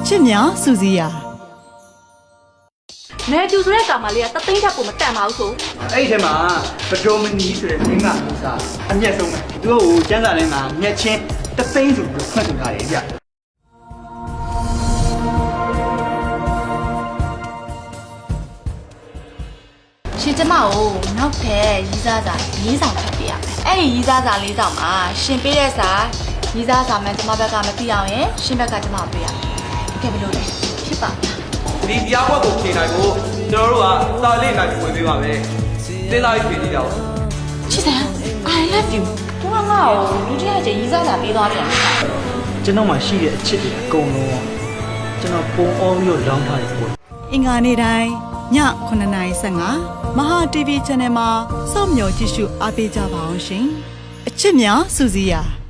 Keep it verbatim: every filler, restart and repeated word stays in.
ချစ်များစူစီယာနေကျူဆိုတဲ့ကောင်မလေးကတသိန်းထက်ကိုမတန်ပါဘူးဆိုအဲ့ဒီထဲမှာဗဒိုမနီဆိုတဲ့မင်းကမူစားအမျက်ဆုံးပဲသူတို့ကိုကျန်းစာထဲမှာမျက်ချင်းတသိန်းဆိုပြီးဖွင့်ဆိုထားတယ်ဗျရှင်ကျမကိုနောက်ထပ်ရီးစားစာလေးဆောင်ထပ်ပေးရမယ်အဲ့ဒီရီးစားစာလေးဆောင်မှာရှင်ပေးတဲ့စာရီးစားစာမှန်ကျမဘက်ကမသိအောင်ရင်ရှင်ဘက်ကကျမပေးရမယ်ကဲဘယ်လိုလဲဖြစ်ပါဒီတရားပွဲကိုဖြေနိုင်ဖို့ကျွန်တော်တို့ကစာလေးနိုင်ဝင်ပေးပါမယ်သင်လာရေးဖြေကြည့်ကြအောင်ချစ်စံ I love you သူကငါ့ကိုလူတစ်ယောက်ချင်းရီးစားစာပေးသွားပြန်တယ်ကျွန်တော်မှရှိတဲ့အချစ်တွေအကုန်လုံးကျွန်တော်ပုံအောင်ပြီးတော့လောင်းထားတယ်ပေါ့အင်္ဂါနေ့တိုင်းညခုနှစ်နာရီဆယ်၅မဟာ တီဗီ Channel မှာစောင့်မျှော်ကြည့်ရှုအားပေးကြပါအောင်ရှင်အချစ်များစူစီယာ